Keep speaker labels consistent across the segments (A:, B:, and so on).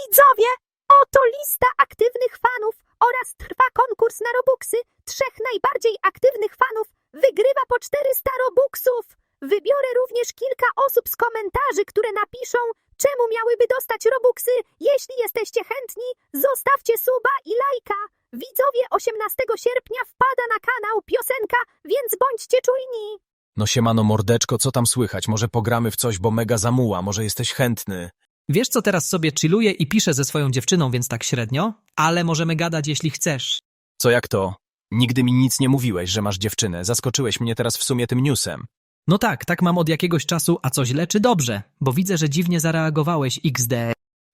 A: Widzowie, oto lista aktywnych fanów oraz trwa konkurs na Robuxy. 3 najbardziej aktywnych fanów wygrywa po 400 Robuxów. Wybiorę również kilka osób z komentarzy, które napiszą, czemu miałyby dostać Robuxy. Jeśli jesteście chętni, zostawcie suba i lajka. Widzowie, 18 sierpnia wpada na kanał piosenka, więc bądźcie czujni.
B: No siemano mordeczko, co tam słychać? Może pogramy w coś, bo mega zamuła, może jesteś chętny.
C: Wiesz co, teraz sobie chilluję i piszę ze swoją dziewczyną, więc tak średnio, ale możemy gadać, jeśli chcesz.
B: Co jak to? Nigdy mi nic nie mówiłeś, że masz dziewczynę. Zaskoczyłeś mnie teraz w sumie tym newsem.
C: No tak mam od jakiegoś czasu, a co źle czy dobrze? Bo widzę, że dziwnie zareagowałeś XD.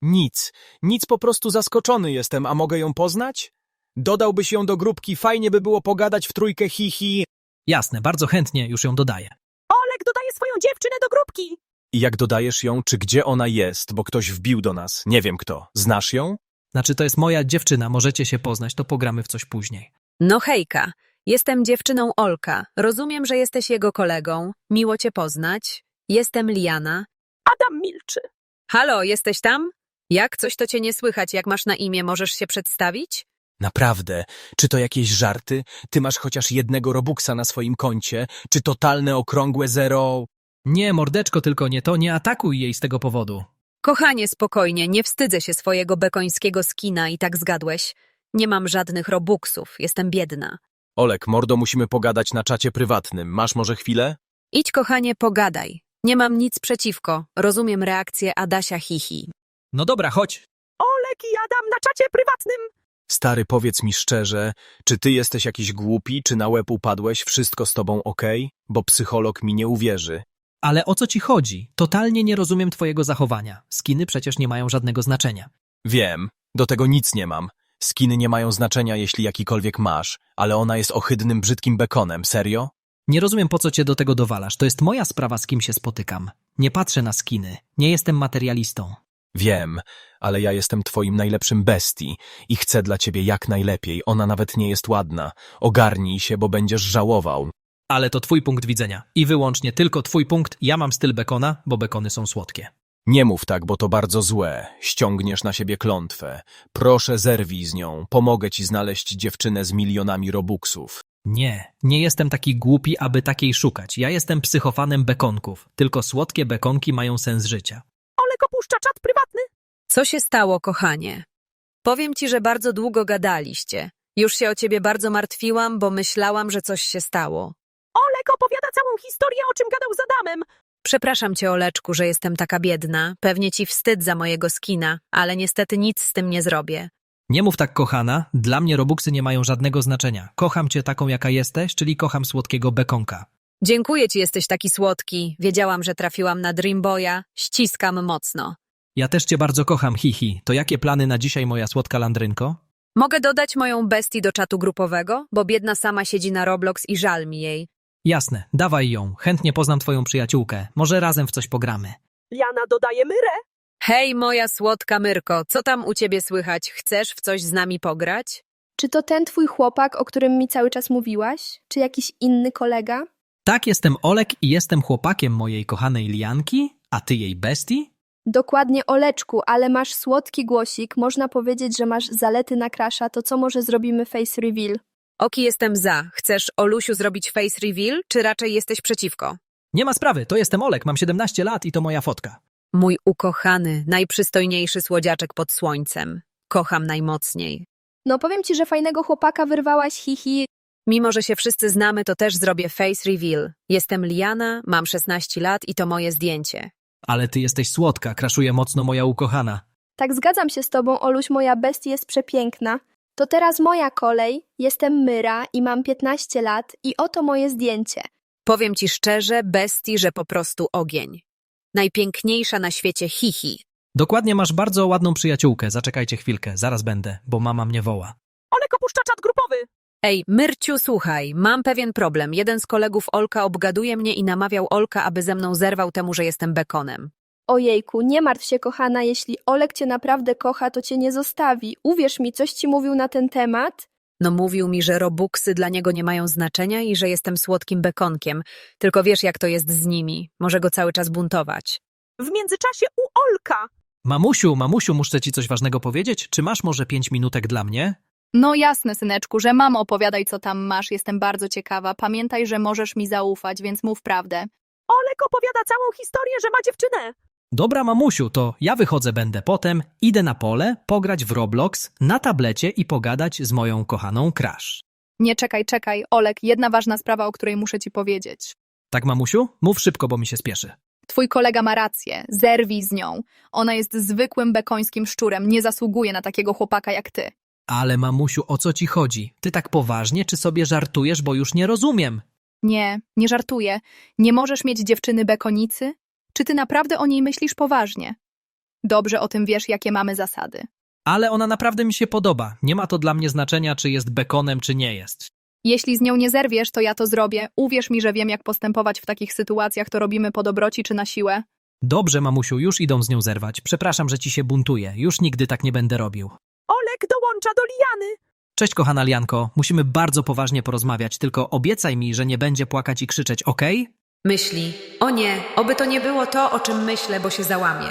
B: Nic, po prostu zaskoczony jestem, a mogę ją poznać? Dodałbyś ją do grupki, fajnie by było pogadać w trójkę hihi.
C: Jasne, bardzo chętnie już ją dodaję.
A: Olek dodaje swoją dziewczynę do grupki.
B: I jak dodajesz ją, czy gdzie ona jest, bo ktoś wbił do nas, nie wiem kto. Znasz ją?
C: Znaczy, to jest moja dziewczyna, możecie się poznać, to pogramy w coś później.
D: No hejka, jestem dziewczyną Olka. Rozumiem, że jesteś jego kolegą. Miło cię poznać. Jestem Liana.
A: Adam milczy.
D: Halo, jesteś tam? Jak coś to cię nie słychać, jak masz na imię, możesz się przedstawić?
B: Naprawdę? Czy to jakieś żarty? Ty masz chociaż jednego Robuxa na swoim koncie? Czy totalne okrągłe zero?
C: Nie, mordeczko, tylko nie to, nie atakuj jej z tego powodu.
D: Kochanie, spokojnie, nie wstydzę się swojego bekońskiego skina i tak zgadłeś. Nie mam żadnych robuxów, jestem biedna.
B: Olek, mordo, musimy pogadać na czacie prywatnym. Masz może chwilę?
D: Idź, kochanie, pogadaj. Nie mam nic przeciwko. Rozumiem reakcję Adasia hihi.
C: No dobra, chodź.
A: Olek i Adam na czacie prywatnym.
B: Stary, powiedz mi szczerze, czy ty jesteś jakiś głupi, czy na łeb upadłeś, wszystko z tobą okej? Bo psycholog mi nie uwierzy.
C: Ale o co ci chodzi? Totalnie nie rozumiem twojego zachowania. Skiny przecież nie mają żadnego znaczenia.
B: Wiem, do tego nic nie mam. Skiny nie mają znaczenia, jeśli jakikolwiek masz, ale ona jest ohydnym, brzydkim bekonem, serio?
C: Nie rozumiem, po co cię do tego dowalasz. To jest moja sprawa, z kim się spotykam. Nie patrzę na skiny. Nie jestem materialistą.
B: Wiem, ale ja jestem twoim najlepszym bestii i chcę dla ciebie jak najlepiej. Ona nawet nie jest ładna. Ogarnij się, bo będziesz żałował.
C: Ale to twój punkt widzenia. I wyłącznie tylko twój punkt. Ja mam styl bekona, bo bekony są słodkie.
B: Nie mów tak, bo to bardzo złe. Ściągniesz na siebie klątwę. Proszę, zerwij z nią. Pomogę ci znaleźć dziewczynę z milionami robuxów.
C: Nie jestem taki głupi, aby takiej szukać. Ja jestem psychofanem bekonków. Tylko słodkie bekonki mają sens życia.
A: Olek opuszcza czat prywatny.
D: Co się stało, kochanie? Powiem ci, że bardzo długo gadaliście. Już się o ciebie bardzo martwiłam, bo myślałam, że coś się stało.
A: Olek opowiada całą historię, o czym gadał z Adamem.
D: Przepraszam cię, Oleczku, że jestem taka biedna. Pewnie ci wstyd za mojego skina, ale niestety nic z tym nie zrobię.
C: Nie mów tak, kochana. Dla mnie robuxy nie mają żadnego znaczenia. Kocham cię taką, jaka jesteś, czyli kocham słodkiego bekonka.
D: Dziękuję ci, jesteś taki słodki. Wiedziałam, że trafiłam na Dreamboya. Ściskam mocno.
C: Ja też cię bardzo kocham, hihi. To jakie plany na dzisiaj, moja słodka landrynko?
D: Mogę dodać moją bestię do czatu grupowego, bo biedna sama siedzi na Roblox i żal mi jej.
C: Jasne, dawaj ją. Chętnie poznam twoją przyjaciółkę. Może razem w coś pogramy.
A: Liana dodaje Myrę.
D: Hej, moja słodka Myrko, co tam u ciebie słychać? Chcesz w coś z nami pograć?
E: Czy to ten twój chłopak, o którym mi cały czas mówiłaś? Czy jakiś inny kolega?
C: Tak, jestem Olek i jestem chłopakiem mojej kochanej Lianki, a ty jej bestii?
E: Dokładnie, Oleczku, ale masz słodki głosik, można powiedzieć, że masz zalety na crusha, to co może zrobimy face reveal?
D: Oki, jestem za. Chcesz, Olusiu, zrobić face reveal, czy raczej jesteś przeciwko?
C: Nie ma sprawy, to jestem Olek, mam 17 lat i to moja fotka.
D: Mój ukochany, najprzystojniejszy słodziaczek pod słońcem. Kocham najmocniej.
E: No powiem ci, że fajnego chłopaka wyrwałaś, hihi.
D: Mimo, że się wszyscy znamy, to też zrobię face reveal. Jestem Liana, mam 16 lat i to moje zdjęcie.
C: Ale ty jesteś słodka, kraszuje mocno moja ukochana.
E: Tak, zgadzam się z tobą, Oluś, moja bestia jest przepiękna. To teraz moja kolej, jestem Myra i mam 15 lat i oto moje zdjęcie.
D: Powiem ci szczerze, bestii, że po prostu ogień. Najpiękniejsza na świecie hihi.
C: Dokładnie, masz bardzo ładną przyjaciółkę, zaczekajcie chwilkę, zaraz będę, bo mama mnie woła.
A: Olek opuszcza czat grupowy.
D: Ej, Myrciu, słuchaj, mam pewien problem. Jeden z kolegów Olka obgaduje mnie i namawiał Olka, aby ze mną zerwał temu, że jestem bekonem.
E: Ojejku, nie martw się, kochana, jeśli Olek cię naprawdę kocha, to cię nie zostawi. Uwierz mi, coś ci mówił na ten temat?
D: No mówił mi, że robuxy dla niego nie mają znaczenia i że jestem słodkim bekonkiem. Tylko wiesz, jak to jest z nimi. Może go cały czas buntować.
A: W międzyczasie u Olka.
C: Mamusiu, muszę ci coś ważnego powiedzieć? Czy masz może 5 minutek dla mnie?
F: No jasne, syneczku, że mam, opowiadaj, co tam masz, jestem bardzo ciekawa. Pamiętaj, że możesz mi zaufać, więc mów prawdę.
A: Olek opowiada całą historię, że ma dziewczynę.
C: Dobra, mamusiu, to ja wychodzę będę potem, idę na pole, pograć w Roblox, na tablecie i pogadać z moją kochaną Crush.
F: Nie, czekaj, Olek, jedna ważna sprawa, o której muszę ci powiedzieć.
C: Tak, mamusiu? Mów szybko, bo mi się spieszy.
F: Twój kolega ma rację, zerwij z nią. Ona jest zwykłym bekońskim szczurem, nie zasługuje na takiego chłopaka jak ty.
C: Ale mamusiu, o co ci chodzi? Ty tak poważnie, czy sobie żartujesz, bo już nie rozumiem?
F: Nie żartuję. Nie możesz mieć dziewczyny bekonicy? Czy ty naprawdę o niej myślisz poważnie? Dobrze o tym wiesz, jakie mamy zasady.
C: Ale ona naprawdę mi się podoba. Nie ma to dla mnie znaczenia, czy jest bekonem, czy nie jest.
F: Jeśli z nią nie zerwiesz, to ja to zrobię. Uwierz mi, że wiem, jak postępować w takich sytuacjach, to robimy po dobroci czy na siłę.
C: Dobrze, mamusiu, już idą z nią zerwać. Przepraszam, że ci się buntuję. Już nigdy tak nie będę robił.
A: Olek dołącza do Liany.
C: Cześć, kochana Lianko. Musimy bardzo poważnie porozmawiać, tylko obiecaj mi, że nie będzie płakać i krzyczeć, okej?
D: Myśli, o nie, oby to nie było to, o czym myślę, bo się załamie.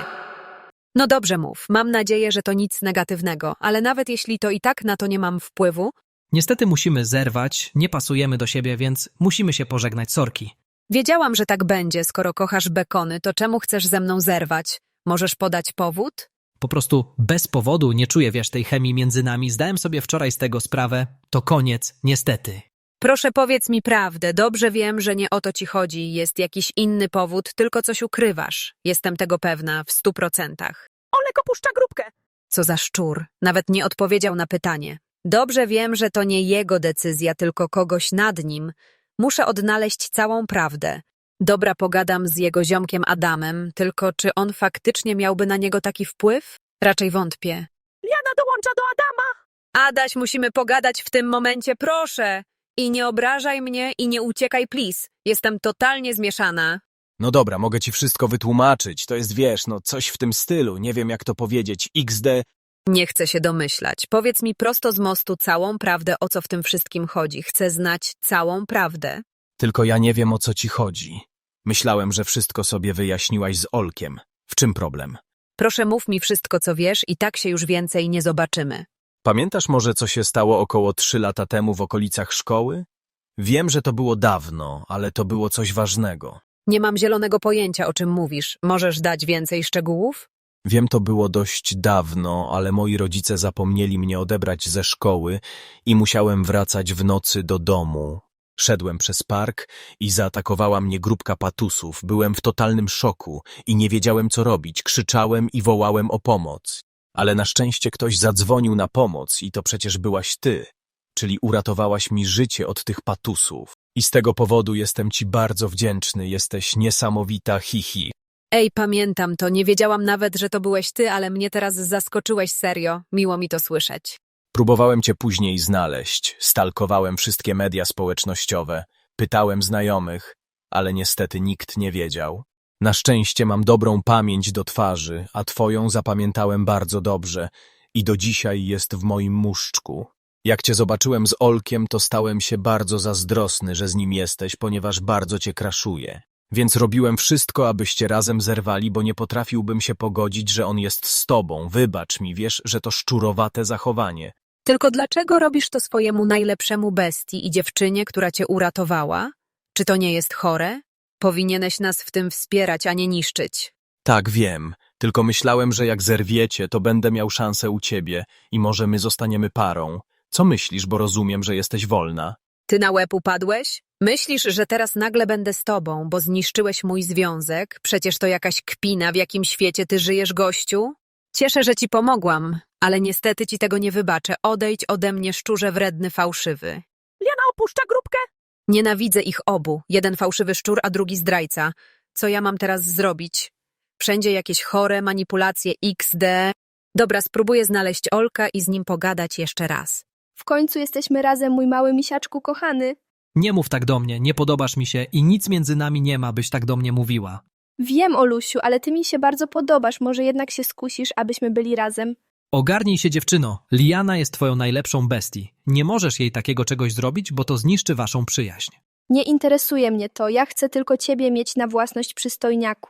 D: No dobrze mów, mam nadzieję, że to nic negatywnego, ale nawet jeśli to i tak na to nie mam wpływu,
C: Niestety musimy zerwać, nie pasujemy do siebie, więc musimy się pożegnać, sorki.
D: wiedziałam, że tak będzie, skoro kochasz bekony, to czemu chcesz ze mną zerwać? Możesz podać powód?
C: Po prostu bez powodu nie czuję, wiesz, tej chemii między nami. Zdałem sobie wczoraj z tego sprawę. To koniec, niestety.
D: Proszę powiedz mi prawdę, dobrze wiem, że nie o to ci chodzi, jest jakiś inny powód, tylko coś ukrywasz. Jestem tego pewna, w 100%.
A: Olek opuszcza grupkę.
D: Co za szczur, nawet nie odpowiedział na pytanie. Dobrze wiem, że to nie jego decyzja, tylko kogoś nad nim. Muszę odnaleźć całą prawdę. Dobra, pogadam z jego ziomkiem Adamem, tylko czy on faktycznie miałby na niego taki wpływ? Raczej wątpię.
A: Liana dołącza do Adama.
D: Adaś, musimy pogadać w tym momencie, proszę! I nie obrażaj mnie i nie uciekaj, please. Jestem totalnie zmieszana.
B: No dobra, mogę ci wszystko wytłumaczyć. To jest, wiesz, no coś w tym stylu. Nie wiem, jak to powiedzieć. XD.
D: Nie chcę się domyślać. Powiedz mi prosto z mostu całą prawdę, o co w tym wszystkim chodzi. Chcę znać całą prawdę.
B: Tylko ja nie wiem, o co ci chodzi. Myślałem, że wszystko sobie wyjaśniłaś z Olkiem. W czym problem?
D: Proszę mów mi wszystko, co wiesz i tak się już więcej nie zobaczymy.
B: Pamiętasz może, co się stało około 3 lata temu w okolicach szkoły? Wiem, że to było dawno, ale to było coś ważnego.
D: Nie mam zielonego pojęcia, o czym mówisz. Możesz dać więcej szczegółów?
B: Wiem, to było dość dawno, ale moi rodzice zapomnieli mnie odebrać ze szkoły i musiałem wracać w nocy do domu. Szedłem przez park i zaatakowała mnie grupka patusów. Byłem w totalnym szoku i nie wiedziałem, co robić. Krzyczałem i wołałem o pomoc. Ale na szczęście ktoś zadzwonił na pomoc i to przecież byłaś ty, czyli uratowałaś mi życie od tych patusów. I z tego powodu jestem ci bardzo wdzięczny, jesteś niesamowita, hihi.
D: Ej, pamiętam to. Nie wiedziałam nawet, że to byłeś ty, ale mnie teraz zaskoczyłeś serio. Miło mi to słyszeć.
B: Próbowałem cię później znaleźć, stalkowałem wszystkie media społecznościowe, pytałem znajomych, ale niestety nikt nie wiedział. Na szczęście mam dobrą pamięć do twarzy, a twoją zapamiętałem bardzo dobrze i do dzisiaj jest w moim muszczku. Jak cię zobaczyłem z Olkiem, to stałem się bardzo zazdrosny, że z nim jesteś, ponieważ bardzo cię kraszuję. Więc robiłem wszystko, abyście razem zerwali, bo nie potrafiłbym się pogodzić, że on jest z tobą. Wybacz mi, wiesz, że to szczurowate zachowanie.
D: Tylko dlaczego robisz to swojemu najlepszemu bestii i dziewczynie, która cię uratowała? Czy to nie jest chore? Powinieneś nas w tym wspierać, a nie niszczyć.
B: Tak, wiem. Tylko myślałem, że jak zerwiecie, to będę miał szansę u ciebie i może my zostaniemy parą. Co myślisz, bo rozumiem, że jesteś wolna?
D: Ty na łeb upadłeś? Myślisz, że teraz nagle będę z tobą, bo zniszczyłeś mój związek? Przecież to jakaś kpina, w jakim świecie ty żyjesz, gościu? Cieszę, że ci pomogłam, ale niestety ci tego nie wybaczę. Odejdź ode mnie, szczurze wredny, fałszywy.
A: Liana opuszcza grupkę.
D: Nienawidzę ich obu. Jeden fałszywy szczur, a drugi zdrajca. Co ja mam teraz zrobić? Wszędzie jakieś chore manipulacje XD. Dobra, spróbuję znaleźć Olka i z nim pogadać jeszcze raz.
E: W końcu jesteśmy razem, mój mały misiaczku kochany.
C: Nie mów tak do mnie, nie podobasz mi się i nic między nami nie ma, byś tak do mnie mówiła.
E: Wiem, Olusiu, ale ty mi się bardzo podobasz. Może jednak się skusisz, abyśmy byli razem.
C: Ogarnij się, dziewczyno. Liana jest twoją najlepszą bestii. Nie możesz jej takiego czegoś zrobić, bo to zniszczy waszą przyjaźń.
E: Nie interesuje mnie to. Ja chcę tylko ciebie mieć na własność, przystojniaku.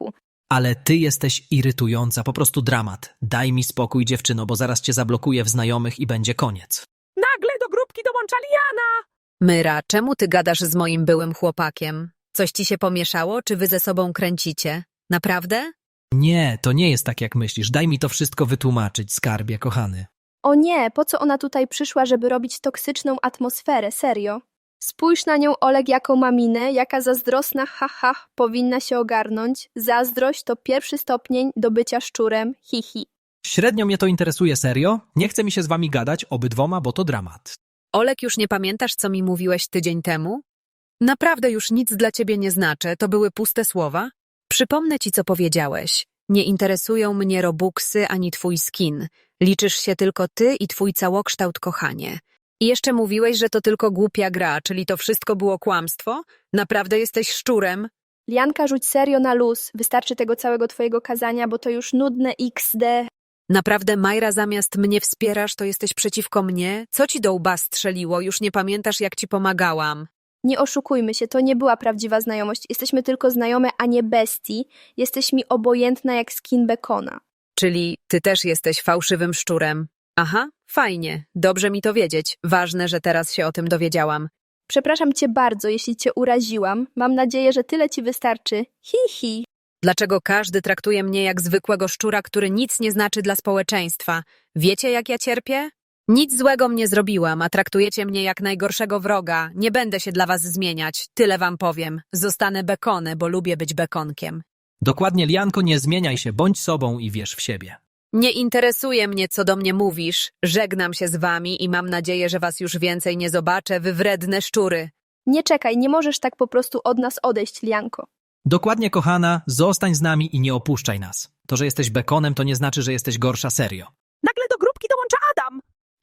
C: Ale ty jesteś irytująca, po prostu dramat. Daj mi spokój, dziewczyno, bo zaraz cię zablokuję w znajomych i będzie koniec.
A: Nagle do grupki dołącza Liana.
D: Myra, czemu ty gadasz z moim byłym chłopakiem? Coś ci się pomieszało, czy wy ze sobą kręcicie? Naprawdę?
C: Nie, to nie jest tak, jak myślisz. Daj mi to wszystko wytłumaczyć, skarbie, kochany.
E: O nie, po co ona tutaj przyszła, żeby robić toksyczną atmosferę, serio? Spójrz na nią, Oleg, jaką ma minę, jaka zazdrosna, haha, powinna się ogarnąć. Zazdrość to pierwszy stopień do bycia szczurem, hihi.
C: Średnio mnie to interesuje, serio. Nie chce mi się z wami gadać, obydwoma, bo to dramat.
D: Olek, już nie pamiętasz, co mi mówiłeś tydzień temu? Naprawdę już nic dla ciebie nie znaczę, to były puste słowa? Przypomnę ci, co powiedziałeś. Nie interesują mnie robuxy ani twój skin. Liczysz się tylko ty i twój całokształt, kochanie. I jeszcze mówiłeś, że to tylko głupia gra, czyli to wszystko było kłamstwo? Naprawdę jesteś szczurem?
E: Lianka, rzuć serio na luz, wystarczy tego całego twojego kazania, bo to już nudne XD.
D: Naprawdę, Majra, zamiast mnie wspierasz, to jesteś przeciwko mnie? Co ci do łba strzeliło? Już nie pamiętasz, jak ci pomagałam.
E: Nie oszukujmy się, to nie była prawdziwa znajomość. Jesteśmy tylko znajome, a nie bestii. Jesteś mi obojętna jak skin bekona.
D: Czyli ty też jesteś fałszywym szczurem. Aha, fajnie, dobrze mi to wiedzieć. Ważne, że teraz się o tym dowiedziałam.
E: Przepraszam cię bardzo, jeśli cię uraziłam. Mam nadzieję, że tyle ci wystarczy. Hi.
D: Dlaczego każdy traktuje mnie jak zwykłego szczura, który nic nie znaczy dla społeczeństwa? Wiecie, jak ja cierpię? Nic złego mnie zrobiłam, a traktujecie mnie jak najgorszego wroga. Nie będę się dla was zmieniać, tyle wam powiem. Zostanę bekonę, bo lubię być bekonkiem.
C: Dokładnie, Lianko, nie zmieniaj się, bądź sobą i wierz w siebie.
D: Nie interesuje mnie, co do mnie mówisz. Żegnam się z wami i mam nadzieję, że was już więcej nie zobaczę, wy wredne szczury.
E: Nie czekaj, nie możesz tak po prostu od nas odejść, Lianko.
C: Dokładnie, kochana, zostań z nami i nie opuszczaj nas. To, że jesteś bekonem, to nie znaczy, że jesteś gorsza, serio.
A: Nagle do grupki dołącza Adam.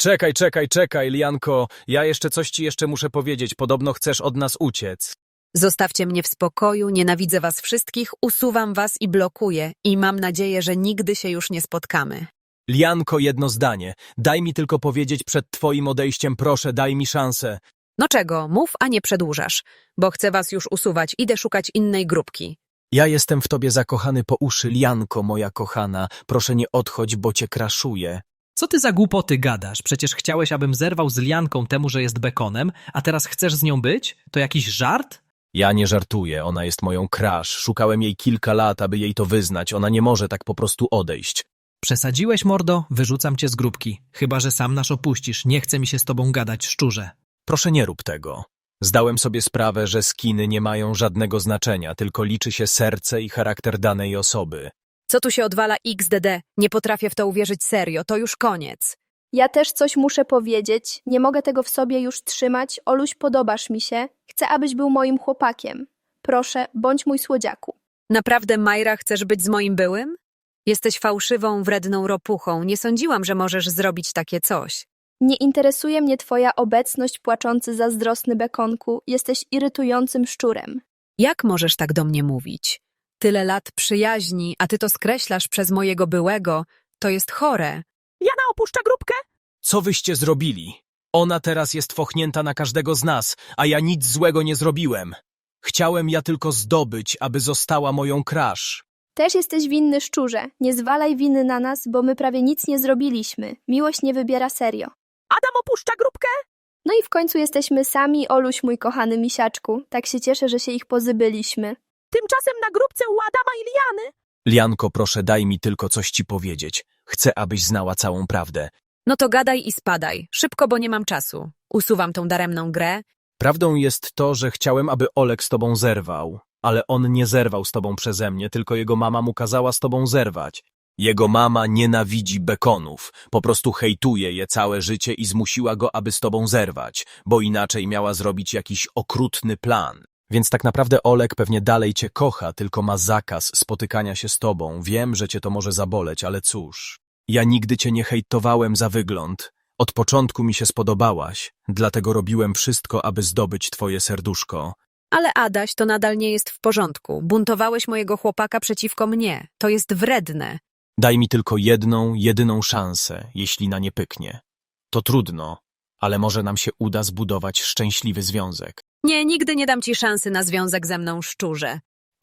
B: Czekaj, Lianko. Ja coś ci muszę powiedzieć. Podobno chcesz od nas uciec.
D: Zostawcie mnie w spokoju, nienawidzę was wszystkich, usuwam was i blokuję i mam nadzieję, że nigdy się już nie spotkamy.
B: Lianko, jedno zdanie. Daj mi tylko powiedzieć przed twoim odejściem, proszę, daj mi szansę.
D: No czego, mów, a nie przedłużasz, bo chcę was już usuwać, idę szukać innej grupki.
B: Ja jestem w tobie zakochany po uszy, Lianko, moja kochana. Proszę nie odchodź, bo cię kraszuję.
C: Co ty za głupoty gadasz? Przecież chciałeś, abym zerwał z Lianką temu, że jest bekonem, a teraz chcesz z nią być? To jakiś żart?
B: Ja nie żartuję, ona jest moją crush. Szukałem jej kilka lat, aby jej to wyznać. Ona nie może tak po prostu odejść.
C: Przesadziłeś, mordo? Wyrzucam cię z grupki. Chyba że sam nas opuścisz. Nie chce mi się z tobą gadać, szczurze.
B: Proszę nie rób tego. Zdałem sobie sprawę, że skiny nie mają żadnego znaczenia, tylko liczy się serce i charakter danej osoby.
D: Co tu się odwala XDD? Nie potrafię w to uwierzyć serio, to już koniec.
E: Ja też coś muszę powiedzieć. Nie mogę tego w sobie już trzymać. Oluś, podobasz mi się. Chcę, abyś był moim chłopakiem. Proszę, bądź mój słodziaku.
D: Naprawdę, Majra, chcesz być z moim byłym? Jesteś fałszywą, wredną ropuchą. Nie sądziłam, że możesz zrobić takie coś.
E: Nie interesuje mnie twoja obecność, płaczący zazdrosny bekonku. Jesteś irytującym szczurem.
D: Jak możesz tak do mnie mówić? Tyle lat przyjaźni, a ty to skreślasz przez mojego byłego. To jest chore.
A: Jana opuszcza grupkę.
B: Co wyście zrobili? Ona teraz jest fochnięta na każdego z nas, a ja nic złego nie zrobiłem. Chciałem ja tylko zdobyć, aby została moją crush.
E: Też jesteś winny, szczurze. Nie zwalaj winy na nas, bo my prawie nic nie zrobiliśmy. Miłość nie wybiera serio.
A: Adam opuszcza grupkę.
E: No i w końcu jesteśmy sami, Oluś, mój kochany misiaczku. Tak się cieszę, że się ich pozbyliśmy.
A: Tymczasem na grupce u Adama i Liany.
B: Lianko, proszę, daj mi tylko coś ci powiedzieć. Chcę, abyś znała całą prawdę.
D: No to gadaj i spadaj. Szybko, bo nie mam czasu. Usuwam tą daremną grę.
B: Prawdą jest to, że chciałem, aby Olek z tobą zerwał. Ale on nie zerwał z tobą przeze mnie, tylko jego mama mu kazała z tobą zerwać. Jego mama nienawidzi bekonów. Po prostu hejtuje je całe życie i zmusiła go, aby z tobą zerwać, bo inaczej miała zrobić jakiś okrutny plan. Więc tak naprawdę Olek pewnie dalej cię kocha, tylko ma zakaz spotykania się z tobą. Wiem, że cię to może zaboleć, ale cóż. Ja nigdy cię nie hejtowałem za wygląd. Od początku mi się spodobałaś, dlatego robiłem wszystko, aby zdobyć twoje serduszko.
D: Ale Adaś, to nadal nie jest w porządku. Buntowałeś mojego chłopaka przeciwko mnie. To jest wredne.
B: Daj mi tylko jedną, jedyną szansę, jeśli na nie pyknie. To trudno, ale może nam się uda zbudować szczęśliwy związek.
D: Nie, nigdy nie dam ci szansy na związek ze mną, szczurze.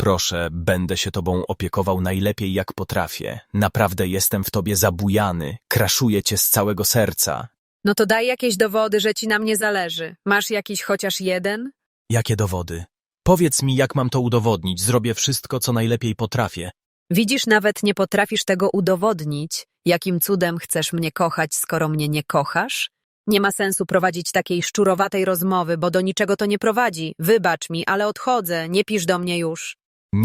B: Proszę, będę się tobą opiekował najlepiej jak potrafię. Naprawdę jestem w tobie zabujany. Kraszuję cię z całego serca.
D: No to daj jakieś dowody, że ci na mnie zależy. Masz jakiś chociaż jeden?
B: Jakie dowody? Powiedz mi, jak mam to udowodnić. Zrobię wszystko, co najlepiej potrafię.
D: Widzisz, nawet nie potrafisz tego udowodnić. Jakim cudem chcesz mnie kochać, skoro mnie nie kochasz? Nie ma sensu prowadzić takiej szczurowatej rozmowy, bo do niczego to nie prowadzi. Wybacz mi, ale odchodzę, nie pisz do mnie już.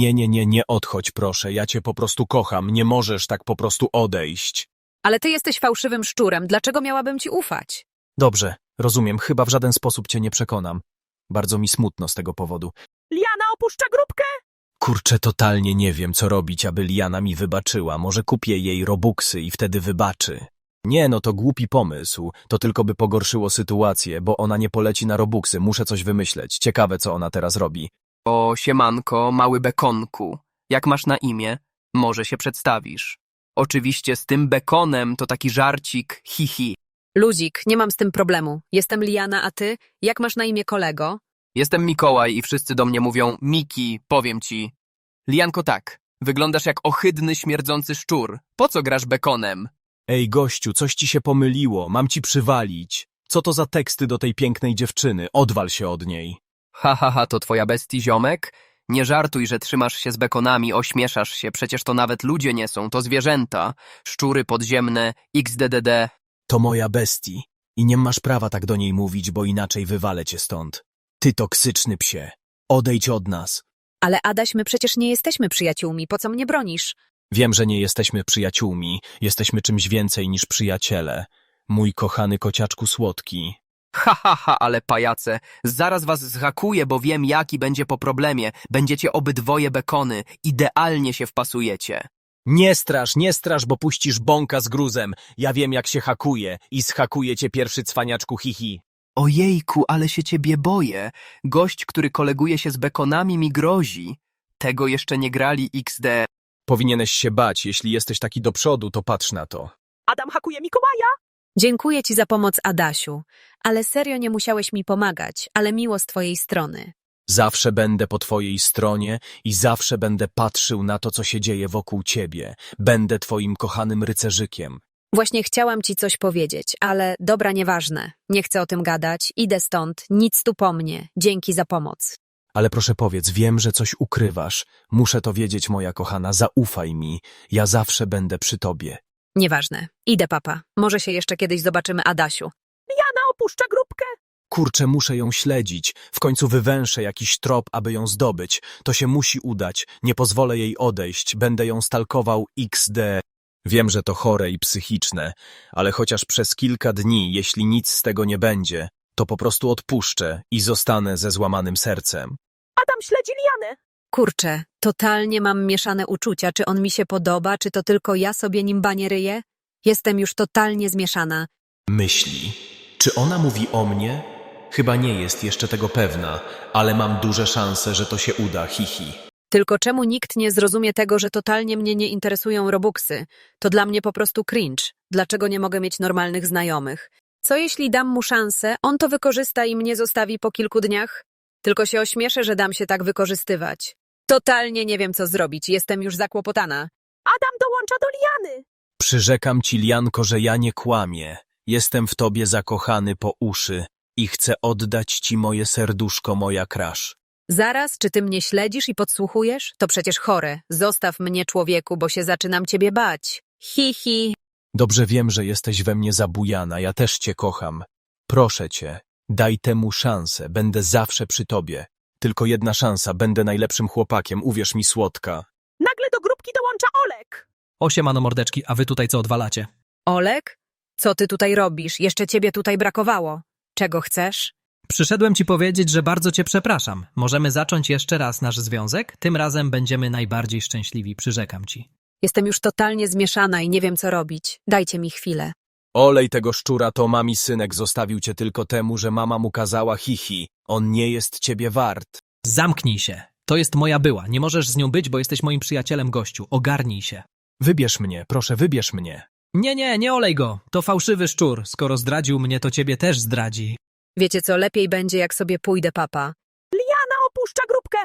B: Nie odchodź, proszę. Ja cię po prostu kocham. Nie możesz tak po prostu odejść.
D: Ale ty jesteś fałszywym szczurem, dlaczego miałabym ci ufać?
B: Dobrze, rozumiem. Chyba w żaden sposób cię nie przekonam. Bardzo mi smutno z tego powodu.
A: Liana opuszcza grupkę!
B: Kurczę, totalnie nie wiem, co robić, aby Liana mi wybaczyła. Może kupię jej robuxy i wtedy wybaczy. Nie, no to głupi pomysł. To tylko by pogorszyło sytuację, bo ona nie poleci na robuxy. Muszę coś wymyśleć. Ciekawe, co ona teraz robi.
G: O, siemanko, mały bekonku. Jak masz na imię? Może się przedstawisz. Oczywiście z tym bekonem to taki żarcik, hi.
D: Luzik, nie mam z tym problemu. Jestem Liana, a ty? Jak masz na imię, kolego?
G: Jestem Mikołaj i wszyscy do mnie mówią Miki, powiem ci. Lianko, tak, wyglądasz jak ohydny, śmierdzący szczur. Po co grasz bekonem?
B: Ej, gościu, coś ci się pomyliło. Mam ci przywalić. Co to za teksty do tej pięknej dziewczyny? Odwal się od niej.
G: Ha, to twoja bestii, ziomek? Nie żartuj, że trzymasz się z bekonami, ośmieszasz się, przecież to nawet ludzie nie są, to zwierzęta. Szczury podziemne, xddd.
B: To moja bestii. I nie masz prawa tak do niej mówić, bo inaczej wywalę cię stąd. Ty toksyczny psie. Odejdź od nas.
D: Ale Adaś, my przecież nie jesteśmy przyjaciółmi, po co mnie bronisz?
B: Wiem, że nie jesteśmy przyjaciółmi. Jesteśmy czymś więcej niż przyjaciele. Mój kochany kociaczku słodki.
G: Ha, ale pajace, zaraz was zhakuję, bo wiem jaki będzie po problemie. Będziecie obydwoje bekony, idealnie się wpasujecie.
B: Nie strasz, bo puścisz bąka z gruzem. Ja wiem, jak się hakuje i zhakuję cię pierwszy cwaniaczku hihi.
G: Ojejku, ale się ciebie boję. Gość, który koleguje się z bekonami mi grozi. Tego jeszcze nie grali XD.
B: Powinieneś się bać. Jeśli jesteś taki do przodu, to patrz na to.
A: Adam hakuje Mikołaja!
D: Dziękuję ci za pomoc, Adasiu. Ale serio nie musiałeś mi pomagać, ale miło z twojej strony.
B: Zawsze będę po twojej stronie i zawsze będę patrzył na to, co się dzieje wokół ciebie. Będę twoim kochanym rycerzykiem.
D: Właśnie chciałam ci coś powiedzieć, ale dobra, nieważne. Nie chcę o tym gadać, idę stąd, nic tu po mnie. Dzięki za pomoc.
B: Ale proszę powiedz, wiem, że coś ukrywasz. Muszę to wiedzieć, moja kochana, zaufaj mi. Ja zawsze będę przy tobie.
D: Nieważne. Idę, papa. Może się jeszcze kiedyś zobaczymy, Adasiu.
A: Liana opuszcza grupkę!
B: Kurczę, muszę ją śledzić. W końcu wywęszę jakiś trop, aby ją zdobyć. To się musi udać. Nie pozwolę jej odejść. Będę ją stalkował XD. Wiem, że to chore i psychiczne, ale chociaż przez kilka dni, jeśli nic z tego nie będzie, to po prostu odpuszczę i zostanę ze złamanym sercem.
A: Adam śledzi Lianę!
D: Kurczę, totalnie mam mieszane uczucia. Czy on mi się podoba, czy to tylko ja sobie nim banie ryję? Jestem już totalnie zmieszana.
B: Myśli. Czy ona mówi o mnie? Chyba nie jest jeszcze tego pewna, ale mam duże szanse, że to się uda, hihi.
D: Tylko czemu nikt nie zrozumie tego, że totalnie mnie nie interesują robuxy? To dla mnie po prostu cringe. Dlaczego nie mogę mieć normalnych znajomych? Co jeśli dam mu szansę, on to wykorzysta i mnie zostawi po kilku dniach? Tylko się ośmieszę, że dam się tak wykorzystywać. Totalnie nie wiem, co zrobić. Jestem już zakłopotana.
A: Adam dołącza do Liany!
B: Przyrzekam ci, Lianko, że ja nie kłamię. Jestem w tobie zakochany po uszy i chcę oddać ci moje serduszko, moja crush.
D: Zaraz, czy ty mnie śledzisz i podsłuchujesz? To przecież chore. Zostaw mnie, człowieku, bo się zaczynam ciebie bać. Hi.
B: Dobrze wiem, że jesteś we mnie zabujana, ja też cię kocham. Proszę cię, daj temu szansę, będę zawsze przy tobie. Tylko jedna szansa, będę najlepszym chłopakiem, uwierz mi, słodka.
A: Nagle do grupki dołącza Olek!
C: Siemano mordeczki, a wy tutaj co odwalacie?
D: Olek? Co ty tutaj robisz? Jeszcze ciebie tutaj brakowało. Czego chcesz?
C: Przyszedłem ci powiedzieć, że bardzo cię przepraszam. Możemy zacząć jeszcze raz nasz związek? Tym razem będziemy najbardziej szczęśliwi, przyrzekam ci.
D: Jestem już totalnie zmieszana i nie wiem, co robić. Dajcie mi chwilę.
B: Olej tego szczura, to mami synek zostawił cię tylko temu, że mama mu kazała hihi. On nie jest ciebie wart.
C: Zamknij się. To jest moja była. Nie możesz z nią być, bo jesteś moim przyjacielem, gościu. Ogarnij się.
B: Wybierz mnie, proszę, wybierz mnie.
C: Nie olej go. To fałszywy szczur. Skoro zdradził mnie, to ciebie też zdradzi.
D: Wiecie co, lepiej będzie, jak sobie pójdę, papa.
A: Liana opuszcza grupkę!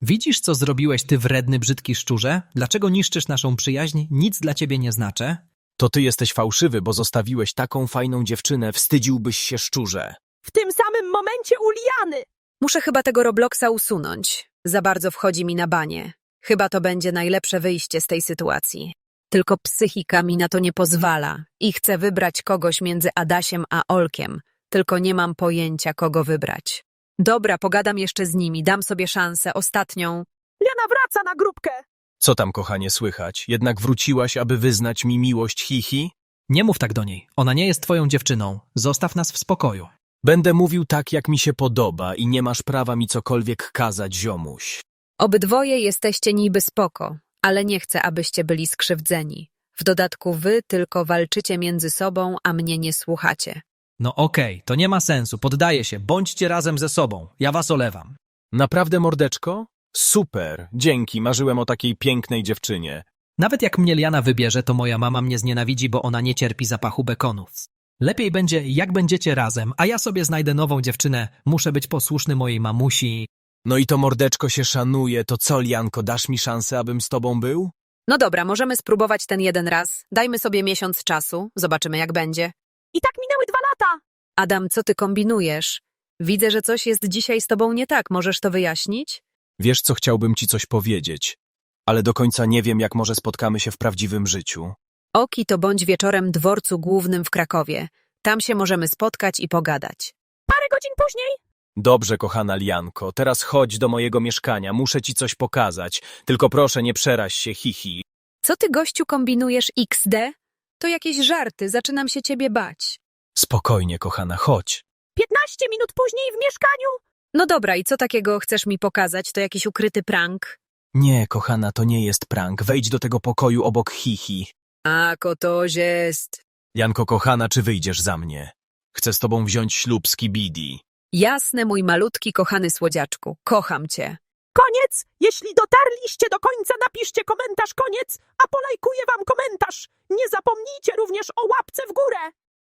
C: Widzisz, co zrobiłeś, ty wredny, brzydki szczurze? Dlaczego niszczysz naszą przyjaźń? Nic dla ciebie nie znaczę.
B: To ty jesteś fałszywy, bo zostawiłeś taką fajną dziewczynę, wstydziłbyś się, szczurze.
A: W tym samym momencie u Liany.
D: Muszę chyba tego Robloxa usunąć. Za bardzo wchodzi mi na banie. Chyba to będzie najlepsze wyjście z tej sytuacji. Tylko psychika mi na to nie pozwala i chcę wybrać kogoś między Adasiem a Olkiem. Tylko nie mam pojęcia, kogo wybrać. Dobra, pogadam jeszcze z nimi, dam sobie szansę, ostatnią.
A: Liana wraca na grupkę.
B: Co tam, kochanie, słychać? Jednak wróciłaś, aby wyznać mi miłość, hihi?
C: Nie mów tak do niej. Ona nie jest twoją dziewczyną. Zostaw nas w spokoju.
B: Będę mówił tak, jak mi się podoba i nie masz prawa mi cokolwiek kazać, ziomuś.
D: Obydwoje jesteście niby spoko, ale nie chcę, abyście byli skrzywdzeni. W dodatku wy tylko walczycie między sobą, a mnie nie słuchacie.
C: No okej, to nie ma sensu. Poddaję się. Bądźcie razem ze sobą. Ja was olewam.
B: Naprawdę, mordeczko? Super, dzięki, marzyłem o takiej pięknej dziewczynie.
C: Nawet jak mnie Liana wybierze, to moja mama mnie znienawidzi, bo ona nie cierpi zapachu bekonów. Lepiej będzie, jak będziecie razem, a ja sobie znajdę nową dziewczynę. Muszę być posłuszny mojej mamusi.
B: No i to mordeczko się szanuje, to co, Lianko, dasz mi szansę, abym z tobą był?
D: No dobra, możemy spróbować ten jeden raz. Dajmy sobie miesiąc czasu, zobaczymy jak będzie.
A: I tak minęły 2 lata.
D: Adam, co ty kombinujesz? Widzę, że coś jest dzisiaj z tobą nie tak. Możesz to wyjaśnić?
B: Wiesz co, chciałbym ci coś powiedzieć, ale do końca nie wiem, jak może spotkamy się w prawdziwym życiu.
D: Oki to bądź wieczorem dworcu głównym w Krakowie. Tam się możemy spotkać i pogadać.
A: Parę godzin później.
B: Dobrze, kochana Lianko, teraz chodź do mojego mieszkania, muszę ci coś pokazać. Tylko proszę, nie przeraź się, hihi.
D: Co ty, gościu, kombinujesz XD? To jakieś żarty, zaczynam się ciebie bać.
B: Spokojnie, kochana, chodź.
A: 15 minut później w mieszkaniu.
D: No dobra, i co takiego chcesz mi pokazać? To jakiś ukryty prank?
B: Nie, kochana, to nie jest prank. Wejdź do tego pokoju obok hihi.
D: A, to jest.
B: Janko, kochana, czy wyjdziesz za mnie? Chcę z tobą wziąć ślub z Kibidi.
D: Jasne, mój malutki, kochany słodziaczku. Kocham cię.
A: Koniec. Jeśli dotarliście do końca, napiszcie komentarz koniec, a polajkuję wam komentarz. Nie zapomnijcie również o łapce w górę.